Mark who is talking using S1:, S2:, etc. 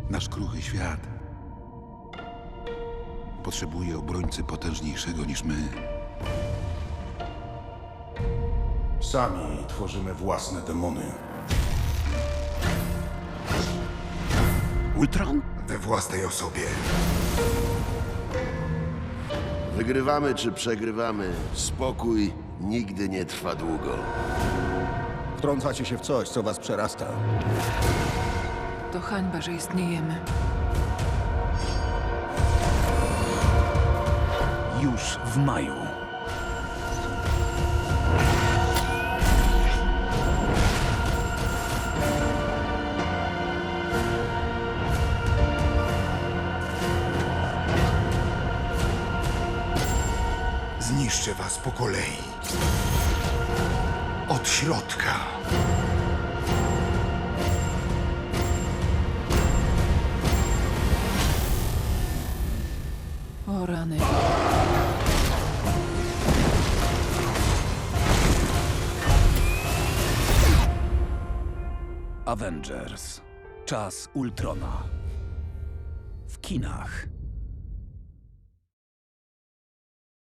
S1: Nasz kruchy świat potrzebuje obrońcy potężniejszego niż my.
S2: Sami tworzymy własne demony.
S1: Ultron?
S2: We własnej osobie.
S3: Wygrywamy czy przegrywamy, spokój nigdy nie trwa długo.
S2: Wtrącacie się w coś, co was przerasta.
S4: To hańba, że istniejemy.
S5: Już w maju.
S2: Zniszczę was po kolei. Od środka.
S4: O rany.
S5: Avengers. Czas Ultrona. W kinach.